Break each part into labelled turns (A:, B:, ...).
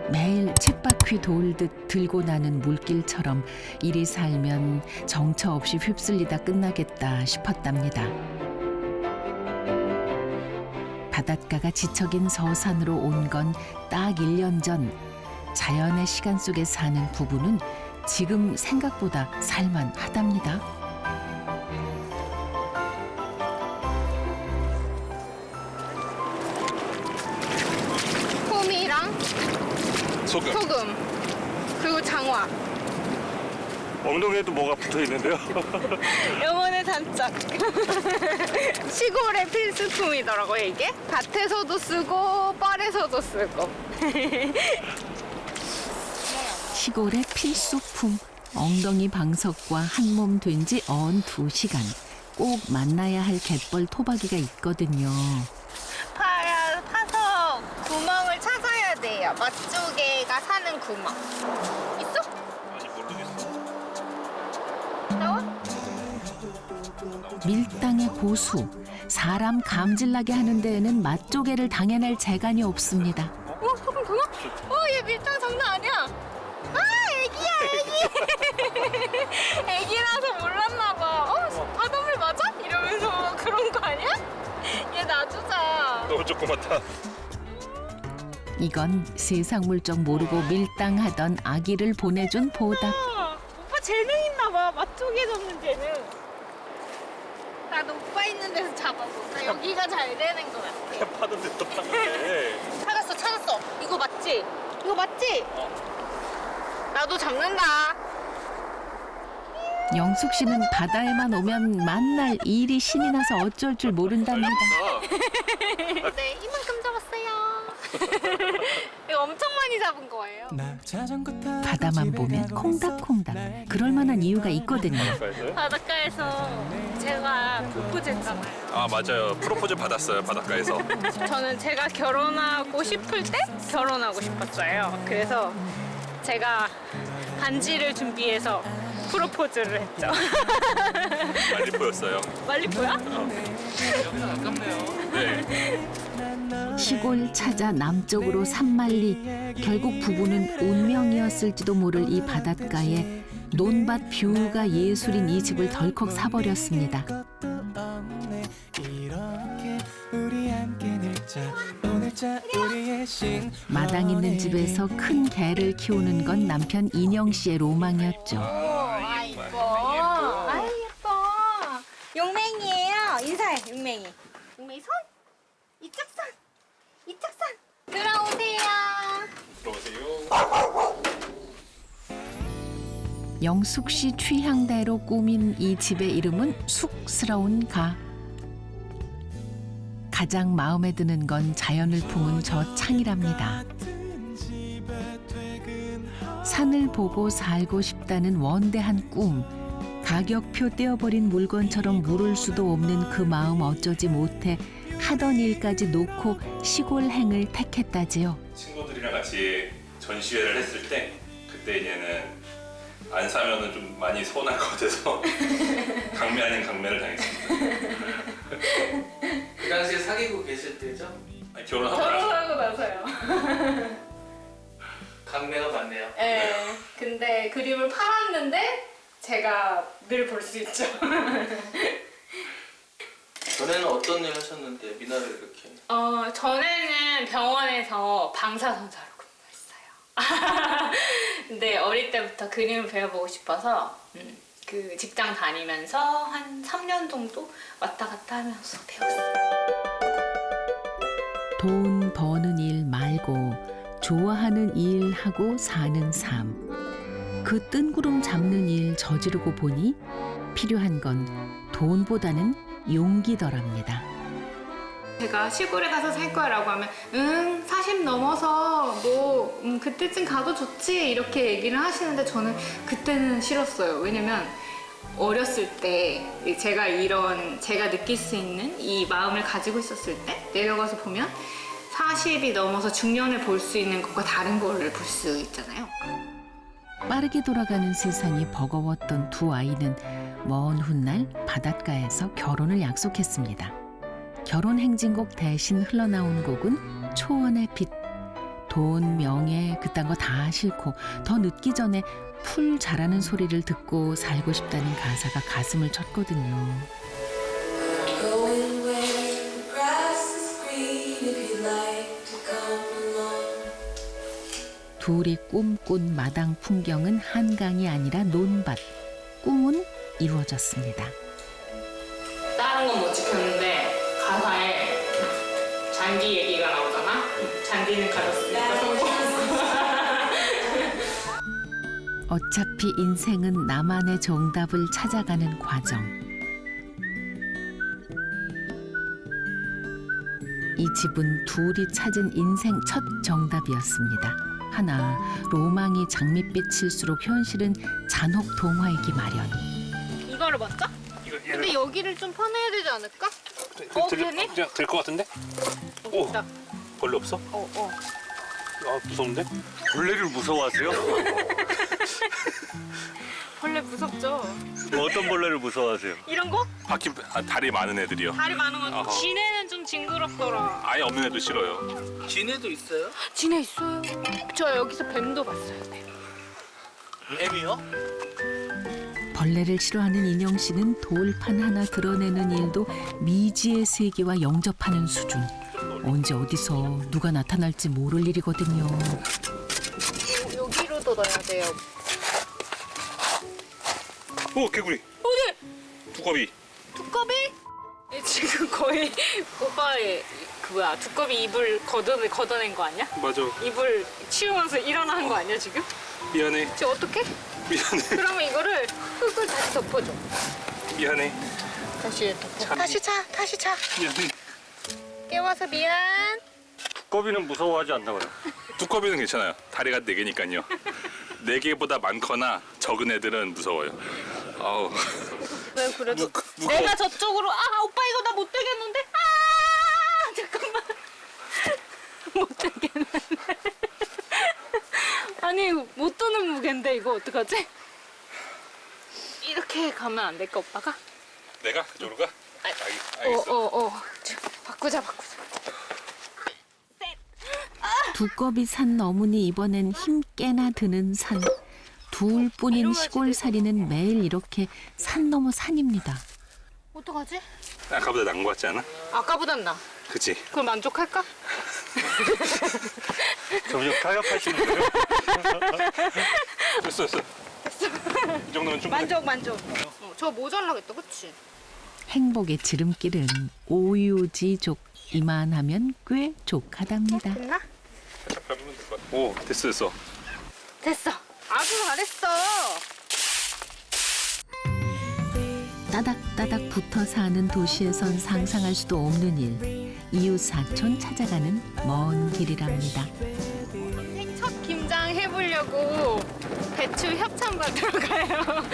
A: 매일 쳇바퀴 돌듯 들고 나는 물길처럼 이리 살면 정처 없이 휩쓸리다 끝나겠다 싶었답니다. 바닷가가 지척인 서산으로 온 건 딱 1년 전. 자연의 시간 속에 사는 부부는 지금 생각보다 살만하답니다.
B: 호미랑 소금 그리고 장화.
C: 엉덩이에도 뭐가 붙어 있는데요?
B: 영혼의 단짝. 시골의 필수품이더라고요, 이게. 밭에서도 쓰고 뻘에서도 쓰고.
A: 시골의 필수품. 엉덩이 방석과 한몸 된 지 언 2시간. 꼭 만나야 할 갯벌 토박이가 있거든요.
B: 파서 구멍을 찾아야 돼요. 맛조개가 사는 구멍. 있어?
C: 아직 모르겠어.
B: 나와?
A: 밀당의 고수. 사람 감질나게 하는 데에는 맛조개를 당해낼 재간이 없습니다.
B: 소금 더 넣어? 얘 밀당 장난 아니야. 애기야, 애기. 애기라서 몰랐나 봐. 바닷물 맞아? 이러면서 그런 거 아니야? 얘 놔주자.
C: 너무 조그맣다.
A: 이건 세상 물정 모르고 밀당하던 아기를 보내준 보답.
B: 오빠 재능 있나 봐. 맛조개 잡는 재능. 나도 오빠 있는 데서 잡아봐. 여기가 잘 되는 것 같아.
C: 그냥 파는 데또 파는데.
B: 찾았어. 이거 맞지? 이거 맞지? 나도 잡는다.
A: 영숙 씨는 바다에만 오면 만날 일이 신이 나서 어쩔 줄 모른답니다.
B: 네, 이만큼 잡았어요. 이거 엄청 많이 잡은 거예요.
A: 바다만 보면 콩닥콩닥. 그럴 만한 이유가 있거든요.
B: 바닷가에서 제가 프로포즈 했잖아요.
C: 아 맞아요. 프로포즈 받았어요 바닷가에서.
B: 저는 제가 결혼하고 싶을 때 결혼하고 싶었어요. 그래서 제가 반지를 준비해서 프로포즈를 했죠.
C: 말리포였어요.
B: 말리포야?
C: 여기서 가깝네요. 네.
A: 시골 찾아 남쪽으로 산만리. 결국 부부는 운명이었을지도 모를 이 바닷가에 논밭 뷰가 예술인 이 집을 덜컥 사버렸습니다. 마당 있는 집에서 큰 개를 키우는 건 남편 인영 씨의 로망이었죠.
B: 예뻐. 예뻐. 용맹이에요. 인사해, 용맹이. 용맹이 손. 이쪽 손. 이쪽 손. 들어오세요.
C: 들어오세요.
A: 영숙 씨 취향대로 꾸민 이 집의 이름은 쑥스러운 가. 가장 마음에 드는 건 자연을 품은 저 창이랍니다. 산을 보고 살고 싶다는 원대한 꿈. 가격표 떼어버린 물건처럼 물을 수도 없는 그 마음 어쩌지 못해 하던 일까지 놓고 시골행을 택했다지요.
C: 친구들이랑 같이 전시회를 했을 때 그때 얘는 안 사면은 좀 많이 서운할 것 같아서 강매 아닌 강매를 당했습니다.
D: 그 당시에 사귀고 계실 때죠?
C: 아니, 결혼하고 나서.
B: 결혼하고 나서요.
D: 강매가 많네요.
B: 네. 근데 그림을 팔았는데 제가 늘 볼 수 있죠.
D: 전에는 어떤 일 하셨는데 미나를 이렇게?
B: 전에는 병원에서 방사선사로 근무했어요. 근데 어릴 때부터 그림을 배워보고 싶어서 그 직장 다니면서 한 3년 정도 왔다 갔다 하면서 배웠어요.
A: 돈 버는 일 말고 좋아하는 일 하고 사는 삶. 그 뜬구름 잡는 일 저지르고 보니 필요한 건 돈보다는 용기더랍니다.
B: 제가 시골에 가서 살 거라고 하면 40 넘어서 뭐 그때쯤 가도 좋지 이렇게 얘기를 하시는데 저는 그때는 싫었어요. 왜냐면 어렸을 때 제가 느낄 수 있는 이 마음을 가지고 있었을 때 내려가서 보면 40이 넘어서 중년을 볼 수 있는 것과 다른 거를 볼 수 있잖아요.
A: 빠르게 돌아가는 세상이 버거웠던 두 아이는 먼 훗날 바닷가에서 결혼을 약속했습니다. 결혼 행진곡 대신 흘러나온 곡은 초원의 빛. 돈, 명예 그딴 거 다 싫고 더 늦기 전에 풀 자라는 소리를 듣고 살고 싶다는 가사가 가슴을 쳤거든요.
E: Going where the grass is green if you'd like to come along.
A: 둘이 꿈꾼 마당 풍경은 한강이 아니라 논밭. 꿈은 이루어졌습니다.
B: 다른 건 못 지켰는데 가사에 잔디 얘기가 나오잖아. 잔디는 가졌으니까 성공.
A: 어차피 인생은 나만의 정답을 찾아가는 과정. 이 집은 둘이 찾은 인생 첫 정답이었습니다. 하나, 로망이 장밋빛일수록 현실은 잔혹 동화이기 마련.
B: 이거를 맞죠? 근데 여기를 좀 파내야 되지 않을까? 되네?
C: 그냥 될 것 같은데? 오,
B: 있다.
C: 벌레 없어? 아, 무서운데?
F: 벌레를 무서워하세요?
B: 벌레 무섭죠?
F: 어떤 벌레를 무서워하세요?
B: 이런 거?
C: 다리 많은 애들이요.
B: 다리 많은 거.
C: 어허.
B: 지네는 좀 징그럽더라.
C: 아예 없는 애도 싫어요.
D: 진해도 있어요?
B: 지네 있어요. 저 여기서 뱀도 봤어요.
D: 뱀이요?
A: 벌레를 싫어하는 인영 씨는 돌판 하나 드러내는 일도 미지의 세계와 영접하는 수준. 언제 어디서 누가 나타날지 모를 일이거든요.
B: 여기로도 넣어야 돼요.
C: 오, 개구리.
B: 어디?
C: 두꺼비.
B: 두꺼비? 지금 거의 오빠의 두꺼비 이불 걷어낸 거 아니야?
C: 맞아.
B: 이불 치우면서 일어나는 거 아니야 지금?
C: 미안해.
B: 지금 어떡해?
C: 미안해.
B: 그러면 이거를 흙을 다시 덮어줘.
C: 미안해.
B: 다시 덮어. 다시 차.
C: 미안해.
B: 깨워서 미안.
F: 두꺼비는 무서워하지 않나 봐요.
C: 두꺼비는 괜찮아요. 다리가 4개니까요. 4개보다 많거나 적은 애들은 무서워요. 아우.
B: 왜 그래도
C: 무거워.
B: 내가 저쪽으로 오빠 이거 나 못 되겠는데? 잠깐만. 못 되겠는데. 아니 못 드는 무게인데 이거 어떡하지? 이렇게 가면 안 될까 오빠가?
C: 내가 그쪽으로 가? 알겠어.
B: 바꾸자.
A: 두꺼비 산 너무니 이번엔 힘 깨나 드는 산. 둘뿐인 시골살이는 매일 이렇게 산 넘어 산입니다.
B: 어떡하지?
C: 아까보다 나은 것 같지 않아?
B: 아까보단 나.
C: 그치?
B: 그럼 만족할까?
F: 점점 타협하시는 거예요?
C: 됐어. 이 정도면 충분해.
B: 만족. 저 모자라겠다, 그치?
A: 행복의 지름길은 오유지족. 이만하면 꽤 족하답니다.
B: 됐나?
C: 밟으면 될 것 같아. 오, 됐어.
B: 됐어. 아주 잘했어.
A: 따닥따닥 붙어 사는 도시에선 상상할 수도 없는 일. 이웃 사촌 찾아가는 먼 길이랍니다.
B: 인생 첫 김장 해보려고 배추 협찬 받으러 가요.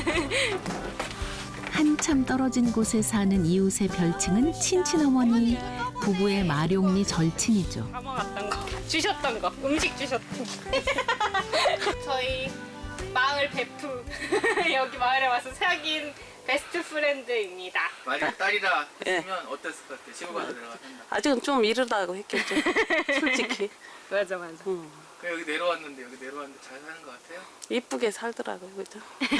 A: 한참 떨어진 곳에 사는 이웃의 별칭은 친친어머니. 부부의 마룡리 절친이죠.
B: 담아갔던 거, 주셨던 거, 음식 주셨던 거. 저희 마을 베프 여기 마을에 와서 사귄 베스트 프렌드입니다.
D: 만약 딸이라
G: 예.
D: 했으면 어땠을 것 같아? 시골 가서 내려가서 한다.
G: 아직은 좀 이르다고 했겠죠. 솔직히.
B: 맞아.
D: 그럼 여기 내려왔는데 잘 사는 것 같아요?
G: 이쁘게 살더라고요, 그죠?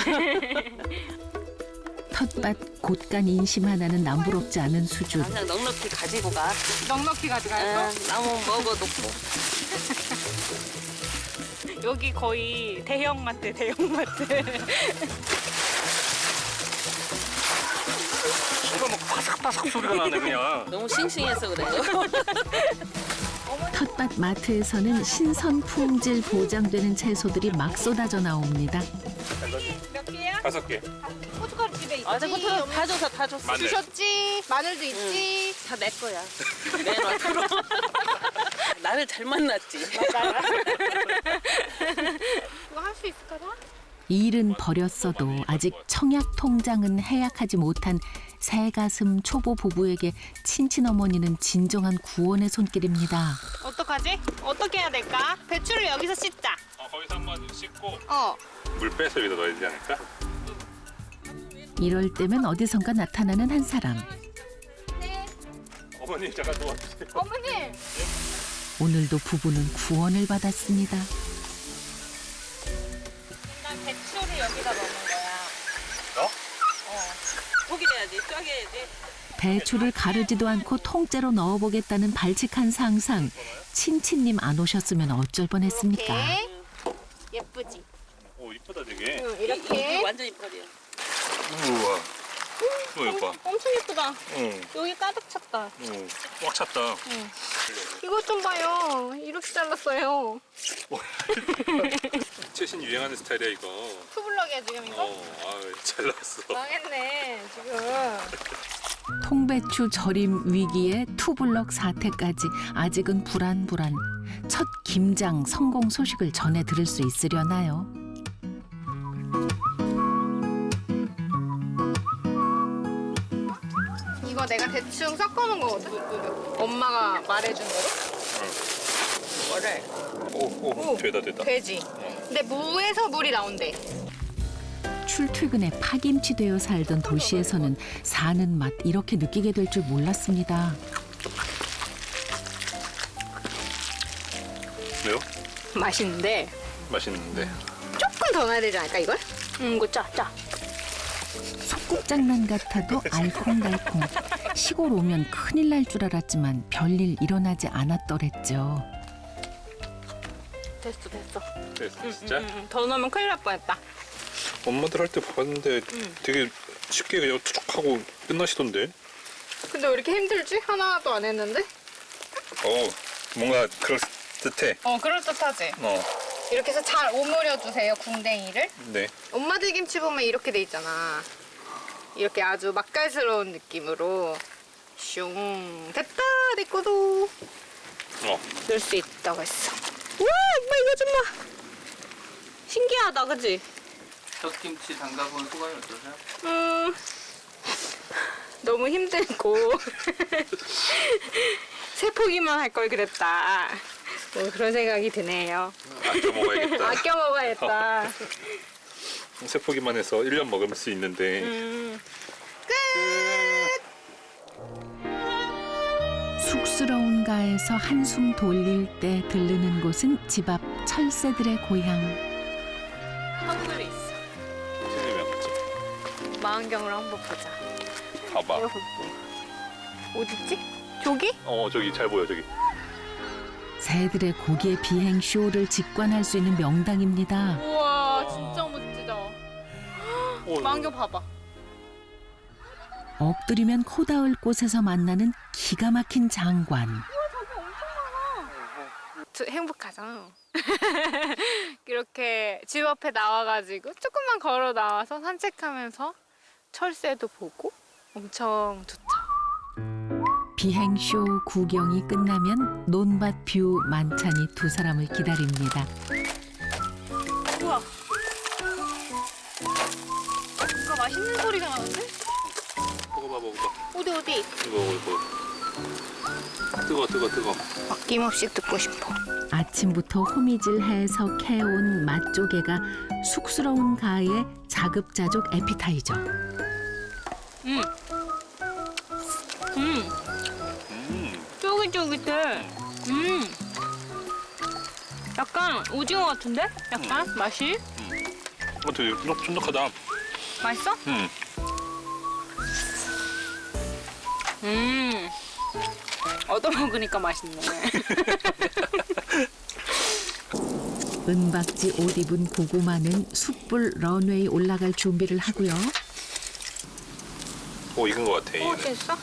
A: 텃밭 곳간 인심 하나는 남부럽지 않은 수준.
G: 그냥 넉넉히 가지고 가.
B: 넉넉히 가져갈 거?
G: 나무 먹어놓고.
B: 여기 거의 대형마트.
F: 순간 막 바삭바삭 소리가 나네 그냥.
G: 너무 싱싱해서 그래요.
A: 텃밭 마트에서는 신선 품질 보장되는 채소들이 막 쏟아져 나옵니다.
B: 몇 개야?
C: 5개.
B: 고춧가루 집에 있지?
G: 아직부터 다 줬어, 다 줬어.
C: 마늘.
B: 주셨지? 마늘도 있지?
G: 다 내 거야. 내놔, 들어. 나를 잘 만났지.
B: 그거 할 수 있을까나?
A: 일은 버렸어도 아직 청약 통장은 해약하지 못한 새가슴 초보 부부에게 친친어머니는 진정한 구원의 손길입니다.
B: 어떡하지? 어떻게 해야 될까? 배추를 여기서 씻자.
C: 거기서 한번 씻고
B: 어.
C: 물 빼서 여기다 넣어야 되지 않을까?
A: 이럴 때면 어디선가 나타나는 한 사람.
C: 어머니 잠깐 도와주세요.
B: 어머님!
A: 오늘도 부부는 구원을 받았습니다.
G: 난 배추를 여기다 넣는 거야.
F: 너?
G: 고기 해야지, 쪼개야지.
A: 배추를 가르지도 않고 통째로 넣어보겠다는 발칙한 상상. 친친님 안 오셨으면 어쩔 뻔했습니까?
B: 예쁘지?
C: 오 이쁘다 되게.
G: 이렇게 완전 이뻐요.
C: 우와. 이거 봐.
B: 엄청 예쁘다.
C: 응.
B: 여기 가득 찼다.
C: 응. 꽉 찼다.
B: 이것 좀 봐요. 이렇게 잘랐어요.
C: 최신 유행하는 스타일이야 이거.
B: 투블럭이야 지금 이거?
C: 잘 나왔어.
B: 망했네 지금.
A: 통배추 절임 위기에 투블럭 사태까지 아직은 불안불안. 첫 김장 성공 소식을 전해 들을 수 있으려나요?
B: 이거 내가 대충 섞어놓은 거거든? 엄마가 말해준 대로? 뭐를?
C: 오 되다.
B: 되지? 근데 무에서 물이 나온대.
A: 출퇴근에 파김치 되어 살던 도시에서는 사는 맛 이렇게 느끼게 될 줄 몰랐습니다.
C: 왜요?
B: 맛있는데
C: 맛있는데.
B: 조금 더 넣어야 되지 않을까 이걸? 이거 짜.
A: 소꿉장난 같아도 알콩달콩. 시골 오면 큰일 날 줄 알았지만 별일 일어나지 않았더랬죠.
B: 됐어.
C: 그래서 진짜?
B: 더 넣으면 큰일 날 뻔했다.
C: 엄마들 할 때 봤는데 되게 쉽게 그냥 투척하고 끝나시던데.
B: 근데 왜 이렇게 힘들지? 하나도 안 했는데?
C: 뭔가 그럴듯해.
B: 그럴듯하지? 이렇게 해서 잘 오므려 주세요, 궁뎅이를.
C: 네.
B: 엄마들 김치 보면 이렇게 돼 있잖아. 이렇게 아주 맛깔스러운 느낌으로 슝 됐다 내 거도 넣을 수 있다고 했어. 우와 엄마 이거 좀 봐. 신기하다 그치?
D: 젖김치 담가본 소감이 어떠세요?
B: 너무 힘들고 세포기만 할 걸 그랬다. 뭐 그런 생각이 드네요.
C: 아껴 먹어야겠다.
B: 아껴 먹어야겠다.
C: 세포기만 해서 1년 먹을 수 있는데.
B: 끝.
A: 쑥스러운 가에서 한숨 돌릴 때 들르는 곳은 집 앞 철새들의 고향.
B: 선물이 있어.
C: 생각이 안 났지?
B: 망원경으로 한번 보자.
C: 봐봐.
B: 이거 볼게. 어딨지? 저기?
C: 저기 잘 보여 저기.
A: 새들의 고개 비행 쇼를 직관할 수 있는 명당입니다.
B: 우와 진짜 멋지다. 망원경 봐봐.
A: 엎드리면 코 닿을 곳에서 만나는 기가 막힌 장관.
B: 행복하잖아. 이렇게 집 앞에 나와가지고 조금만 걸어 나와서 산책하면서 철새도 보고 엄청 좋죠.
A: 비행쇼 구경이 끝나면 논밭 뷰 만찬이 두 사람을 기다립니다.
B: 우와. 뭔가 맛있는 소리가 나는데?
C: 먹어봐.
B: 어디?
C: 이거. 뜨거.
B: 아낌없이 듣고 싶어.
A: 아침부터 호미질해서 캐온 맛조개가 쑥스러운 가의 자급자족 에피타이저.
B: 쫄깃쫄깃해. 약간 오징어 같은데? 약간 맛이?
C: 되게 쫀득하다.
B: 맛있어? 얻어먹으니까 맛있네.
A: 은박지 옷 입은 고구마는 숯불 런웨이 올라갈 준비를 하고요.
C: 익은 것 같아. 얘는.
B: 됐어?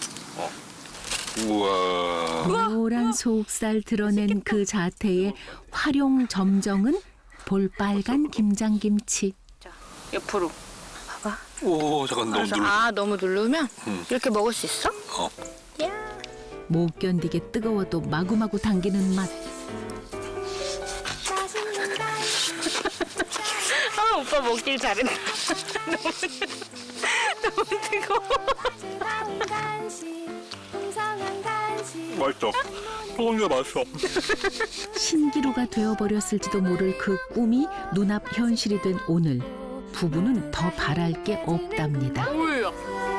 C: 우와.
A: 노란 속살 드러낸 그 자태에 활용 점정은 볼빨간 김장김치.
B: 자, 옆으로. 봐봐.
C: 오 잠깐 너무 눌러.
B: 너무 누르면 이렇게 먹을 수 있어? 야.
A: 못 견디게 뜨거워도 마구마구 당기는 맛.
B: 오빠 먹길 잘했다. 너무 뜨거워.
C: 맛있어. 소금이 맛있어.
A: 신기루가 되어버렸을지도 모를 그 꿈이 눈앞 현실이 된 오늘. 부부는 더 바랄 게 없답니다.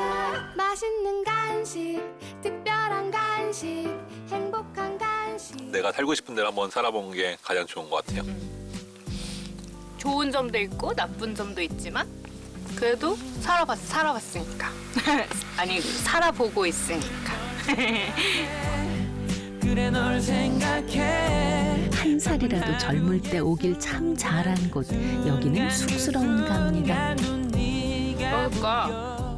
E: 맛있는 간식, 특별한 간식, 행복한 간식.
H: 내가 살고 싶은 데를 한번 살아본 게 가장 좋은 것 같아요.
B: 좋은 점도 있고 나쁜 점도 있지만 그래도 살아봤으니까. 아니 살아보고 있으니까.
A: 한 살이라도 젊을 때 오길 참 잘한 곳. 여기는 쑥스러운 갑니다.
B: 그러니까